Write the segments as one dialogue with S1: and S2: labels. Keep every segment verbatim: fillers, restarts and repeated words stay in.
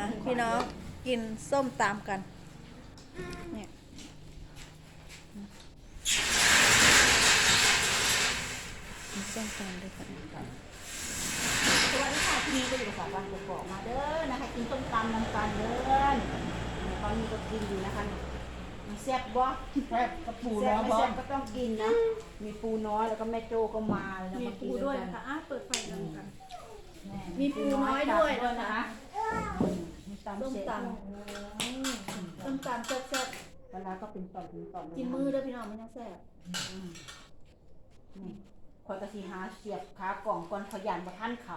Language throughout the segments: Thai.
S1: พี่น้องกินส้มตำกันเนี่ยมีส้มตำด้วยค่ะ
S2: สวัสดีค่ะที่นี่ก็อยู่กับสาววันกอกมาเด้อนะคะกินส้มตำน้ำกันเด้อตอนนี้ก็กินอยู่นะคะมีแซ่บบ่
S3: แซ่บกระปู
S2: แซ่
S3: แล้
S2: บ
S3: ว
S2: ไม่
S3: บอ
S2: แซ่
S3: ส
S2: บก็ต้องกินนะมีปูน้อยแล้วก็แม่โจก็มาเลยนะ
S1: มี
S2: มากิ
S1: ปู
S2: น
S1: ด้วย
S2: กัน
S1: นะคะอ่ะเปิดไฟกันกัน
S2: แ
S1: มีปูน้อยด้วยนะคะ
S2: มีตำ
S1: ส้ม
S2: เสร็จ
S1: ตำส้มตำแซ่บ
S2: เวลาก็เป็นตอนเป็นตอน
S1: ๆกินมือด้วยพี่น้องไม่ต้องแซ่บ
S2: นี่คอยกระสีหาเสียบขากล่องก่อนขยันมาท่านเขา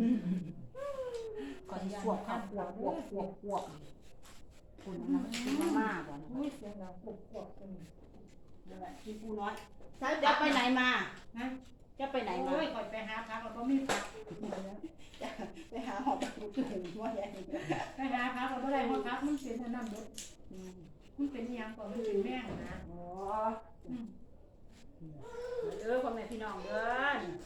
S2: ก่อนที่สวบข้าวปวกปวกปวกปวกคุณนะกินมากๆก่อน
S3: อุ้ยเสียงดังปุกปวกกัน
S2: นั่นแหละกินปูน้อย
S1: ใช่
S2: จะไปไหนมา
S3: นะ
S2: จะไปไหนมา
S3: โอ้ยก่อนไปหาพักเราก็ไม่พัก
S2: จะไปหาหอบปูถุงว่าอย่างนี้
S3: ไปหาพักเราก็ได้เพราะพักมันเป็นอันนั้นเด้อมันเป็นยังก่อนมันเป็นแม่งนะ
S2: อ๋อเออพ่อแม่พี่น้องเด้อ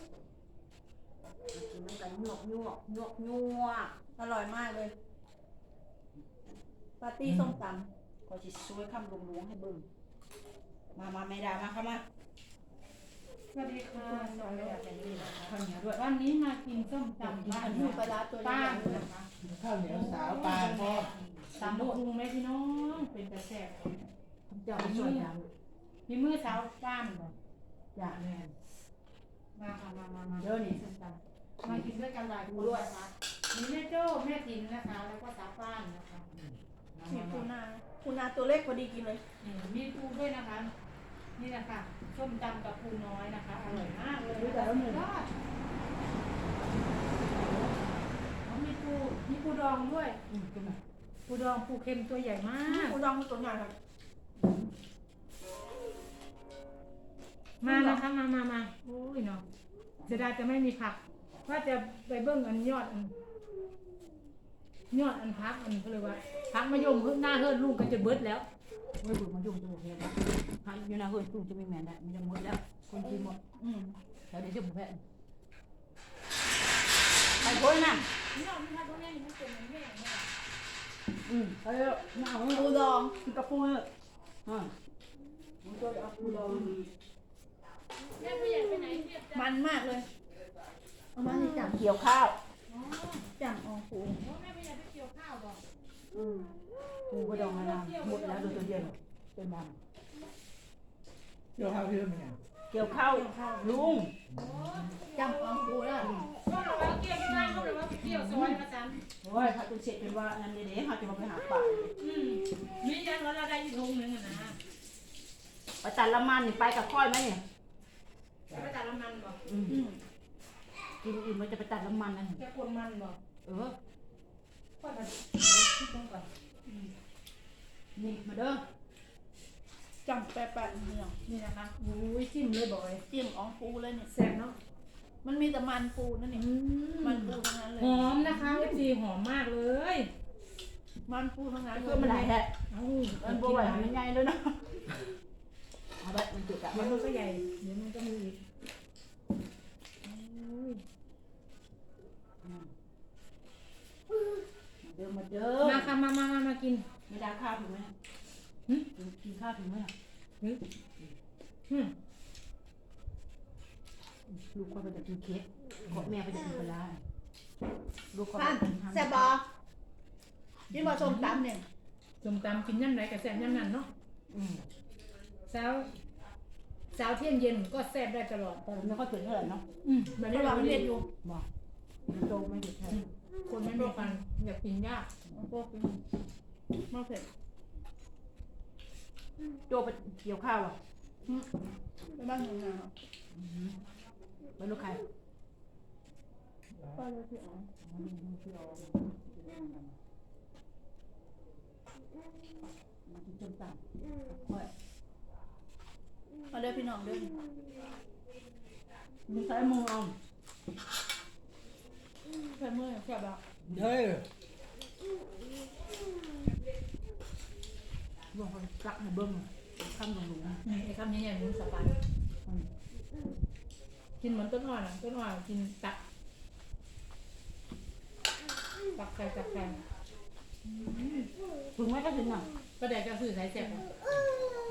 S2: กินน้ำกันยวกยวกยวกยวก
S1: อร่อยมากเลยปาร์ตี้ส้มต
S2: ก็จะช่วยคำลงลวงให้เบิ่งมามาไม่ได้มาเข้ามา
S3: สวัสดีค่ะสวัสดีค่ะ
S2: เป็นนี่นะคะข้าวเหนียวด้วย
S3: วันนี้มากินส้มตำบ้าน
S1: ำหมูปลาร้าตัวให
S3: ป้า
S1: ญ่
S3: น
S1: ๆด้วย
S3: นะคะ
S4: ข้าวเหนียวสาวปลาพ่อ
S3: ตำบุกไหมพี่น้องเป็นกระแสบ
S2: เจ้าส่วนยัง
S3: มีมือสาวป้านบ่
S2: อย่าแม่
S3: มาค่ะมามามา
S2: เด้อนี่
S3: ส้มตำมากินด้วยกันหลายคนนะคะมีแม่โจ้แม่ติ๋มนะคะ แล้วก็สาวป้านนะคะ
S1: มีปูนาปูนาตัวเล็กพอดีกินเลย
S3: นี่มีปูด้วยนะคะ นี่นะคะส้มตำกับปูน้อยนะคะอร่อยมากเลยนะคะสุดยอดอ๋อมีปูมีปูดองด้วย
S2: อืมขึ้นมา
S3: ปูดองปูเค็มตัวใหญ่มาก
S1: ปูดองตัวใหญ่ครับ
S3: มานะคะมามามาโอ้ยเนาะเสียดายจะไม่มีผัก ว่าจะไปเบิ้งอันยอดอันยอดอันพักอันเขาเรียกว่าพักมะยมหน้าเฮิร์นลูกก็จะเบิดแล้ว
S2: เฮ้ยบุญมายุ่งตัวเพียนะหาอยู่นะเฮ้ยตู้จะไม่แม่นได้มันจะหมดแล้วคนกินหมด
S1: อืม
S2: แล้วเดี๋ยวจะบุแพะไปพ้นน่ะ
S3: นี่เราไม่ทำตรงนี้มันเป็นแม่แม่
S2: อืมไปเถอะมาเอา
S1: ปูดอง
S2: กินกระปูเถอะอ่าผมจะเอาปูดอง
S3: แม่ผู้ใหญ่ไปไหนเรียบจ้ะ
S1: มันมากเลยเอามาให้จับ
S2: เกี่ยวข้าว
S3: อ๋อ
S1: จับออกปู
S3: โอ้แม่ผู้ใหญ่ไปเกี่ยวข้าวบ่
S2: อืมปูกระดองมะนาวหมดแล้วดูตัวเดียวเป็นด
S4: เดี๋ยวข้าวเพิ่มยัง
S2: ำเกี่ยวข้าวลุง
S1: จับออกปูแล้ว
S3: ก็เราว่าเกี่ยวข้าวก็เลยว่าเกี่ยวซอยมาจัน
S2: โอ้ยพระตุเสร็จเป็นว่าอันนี้เดี๋ยวเขาจะมาไปหาป่า
S3: อืมมียันว่าเราได้อยู่ทุงนึงอะนะ
S2: ไปตัดละมันนี่ไปกับค่อยไหมเนี่ย
S3: จะไปตัดน้ำมันบ่
S2: อืม
S1: อืม
S2: กินอื่นมันจะไปตัดละมันนั่น
S3: จะกวนมันบ่
S2: เออ
S3: ค่อยมาคิดตรงก่อน
S2: นี่มาเด้อ
S1: จับแปะๆเนี่ย
S3: นี่นะคะอุ้ยจิ้มเลยบ่อย
S1: จิ้มออกปูเลยเนี่ย
S3: แซ่บเนาะ
S1: มันมีแต่มันปูนั่นนี่มันปูทั้งนั้นเลย
S3: หอมนะคะเอฟซีหอมมากเลย
S1: มันปูทั้งนั้นเล
S2: เพื่อย มันไหลแหละ
S3: เอ้า
S2: มันบัวไหวมันใหญ่เลยนะเอาไปมันจุกอะ
S3: เดี๋ยวมันก็ใหญ่เดี๋ยวมันก็มีอีกโอ้ย
S2: เดิมมาเดิม
S3: มาค่ะมามามามากิน
S2: ไม่ได้ข้าวถึงไหม
S3: หึ
S2: กินข้าวถึงไหม
S3: หึหึ
S2: ลูกคนไปจะกินเค้กขอแม่ไปจะกินปลาลูกคน
S1: ท่านแซ่บบอกกินบะส้มตำเนี่ย
S3: ส้มตำกินย่ำไหนกับแซ่บย่ำนั้นเนาะ
S2: อืม
S3: เช้าเช้าเที่ยงเย็นก็แซ่บได้ตลอด
S2: แต่ไม่ค่อยถึงเท่าไหร่เนาะ
S3: อืมแบบ
S1: นี่
S3: นี้
S1: เรา
S3: เรา
S1: เรี
S3: เรี
S1: ย
S3: ย
S1: น
S3: น
S1: อ
S3: อยู่
S1: ยู่
S2: บอกมันโตไม่หยุดแท้
S3: คนไม่มีกันอยากกินยาก
S1: พวกกินมะเขือ
S2: โตไปเกี่ยวข้าวอ่ะ
S1: ไปบ้านหนูนา
S2: ไปลูกใคร
S1: ป้าเลยพี่อ๋อ
S2: มากินส้มตำค่อย
S1: มาเด้อพี่น้องเด้อ
S2: มึงใช้มือเอา
S1: เพื่อนเมื่อแซ่บบอก
S4: เฮ้ย
S2: ลงไปกักในเบิ้งข้ามลงหลุม
S3: นี่ไอ้คำนี้เนี่ยมึงสบายกินเหมือนต้นอ่อนอ่ะต้นอ่อนกินตักตักไข่ตักไข่
S2: ถึงไหมก็ถึงอ่ะ
S3: ก็แดกจะสื่อสายแสบอ่ะน้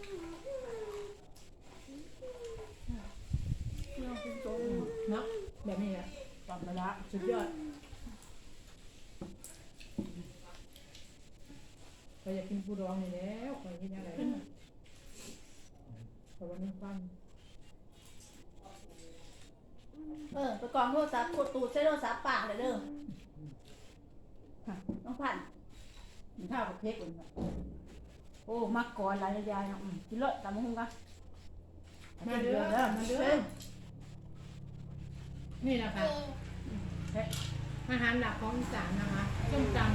S2: เราเป็นโต
S3: ำเนาะแบบนี้แหละ
S2: ตอนเวลา
S3: สุดยอดเราอยากกินปูดองนี่แล้วคอยกินอะไรแต่วันนี้ฟัน
S2: เออไปกองโทรศัพท์กดตูดใช้โทรศัพท์ปากเลยเด้อต้องผ่านมีข้าวกับเพชรเลยโอ้มักก่อนหลายยายเนาะกินเลยตามมาหุ้งกัน
S3: มาเด้อมาเด้อนี่นะคะอาหารหลักของอีสานนะคะส้มตำ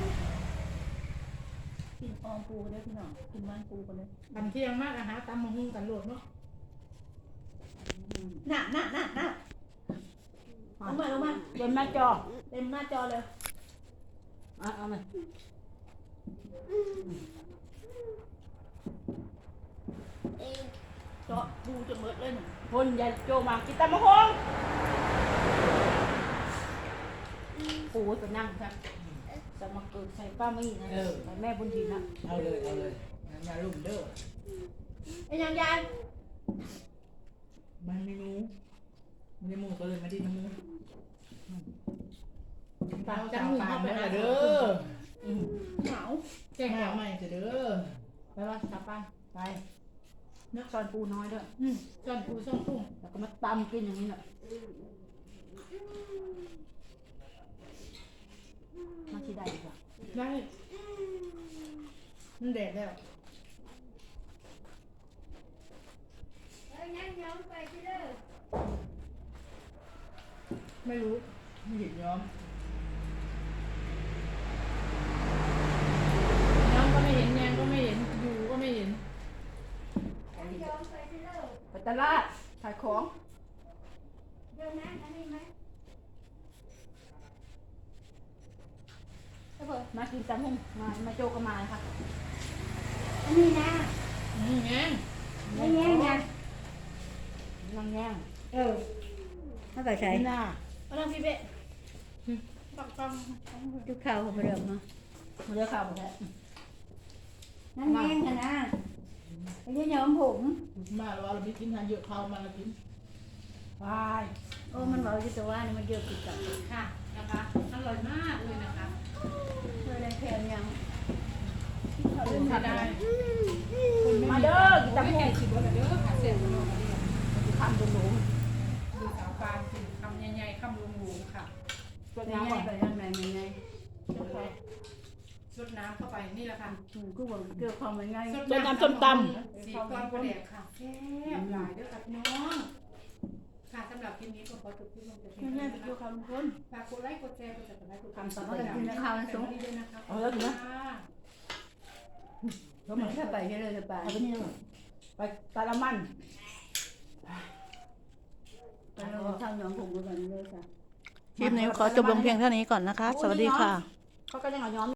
S2: กินออมปูกันเลยพี่น้องกินมันปูกันเลย
S3: ตำเที่ยงมากอาหารตำมะฮุ่งกันโหลดเนาะ
S2: น่ะน่ะน่ะน่ะเอามาเอามาเต็มหน้าจอเต็มหน้าจอเลยเอาเอามาเจาะปูจะเบิดเลยหนึ่งคนใหญ่โจมากินตามะฮงปูจะนั่งครับจะมาเกิดใส่ป้ามี่นะใส่แม่บุญทีนะ
S4: เอาเลยเอาเลยงั้นอย่าลุ่มเด้อ
S2: ไอ้ยังยาย
S4: มันไม่มูมันไม่มูก็เลยมาดิ้นน้ำมู
S3: ปากจังมือเข้าไปหา
S4: เด้
S3: เด้
S4: อ
S3: อ
S2: เหงา
S3: แกง
S4: แม่
S3: เหงา
S4: ใหม่จะเด้อ
S3: ไปว่ากลับบ้าน
S2: ไปนักซอนปูน้อยด้วย
S3: อืมจอนปูส้มตุ้ง
S2: แล้วก็มาตำกินอย่างนี้แหละมาที่ใดดีกว่า
S3: ได้มันแดดแล้วไม่รู้
S4: ไม่เห็นย้อม
S3: น้องก็ไม่เห็นแยงก็ไม่เห็นอยู่ก็ไม่เห็น
S2: ไปตลาดขายของมากินตำหุ่งมามาโจกันมาเลยค่ะอันนี้นะ
S3: อืมแยง
S2: ไม่แย่งนะนั่งแย่ง
S3: เออ
S1: ถ้าไปใช้
S2: นี่น่ะมานั่งพี่เบ๊ะปักปัง
S1: ทุกข้าวของเดิมเนาะ
S2: มาเลือกข้าวหมดแล้ว
S1: นั่นแห้งกันนะไอ้เนี่ยยอมผม
S4: มาแล้วเราไม่กินทานเยอะเขามาเรากิน
S2: ไป
S1: โอ้มันบอกอยู่แต่ว่านี่มันเยอะกินกับ
S3: ค่ะนะคะอร่อยมากเลยนะคะ
S1: เพื่อได้แค่ยัง
S2: เขา
S3: คุ
S2: เล่
S3: ณ
S2: น
S3: ไม่
S2: ผัด
S3: ได้
S2: ได้
S3: คุณไม่
S2: มาเด้อกิน
S3: ตำ
S2: ตำ
S3: แห
S2: หุ่
S3: น่
S2: ง
S3: งสิบวันเด้อค่ะเสียงโลกันดี
S2: ทำเป็นหนู
S3: ดูสาวปานสิคำใหญ่ๆคำลุงๆค่ะ
S2: ตัว
S1: เป็น
S2: น้ำ
S1: ไง
S2: ก่อน
S1: ไปยังไงเป็นไง
S3: ซดน้ำเข้าไปนี่แหละค่ะ
S1: ถูกก็บอกเกี่ยวความเป็นไง
S2: ตัวน้ำส้มต
S3: สีก้อนประเดกค่ะแซ่บหลายเด้อค่ะพี่น้องค่ะสำหรับคลิปนี้ก็ขอจบคลิปลงแต่เพียง
S2: ำ
S3: เท่า
S2: แม่
S3: นี้
S2: ไป
S3: นะ
S2: ดู
S3: คะ
S2: ข้าวลุงพล
S3: ฝากกดไลค์กดแชร์กดติดตามกด
S2: ทำสำ
S3: เร็
S2: เร็
S3: จ
S2: จ
S3: กินข้าวนะสูงด้วยนะคะ
S2: เอาแล้วถึงนะ
S1: เขาเหมือนถ้าไปก็เลยจะไป
S2: เอาไปนี่เลยไปตาละมัน
S1: ไปเราทำยอมผมกันเลยค่ะ
S5: คลิปนี้ขอจบลงเพียงเท่านี้ก่อนนะคะ สวัสดีค่ะ
S2: เขาก็ยังเอาย้อม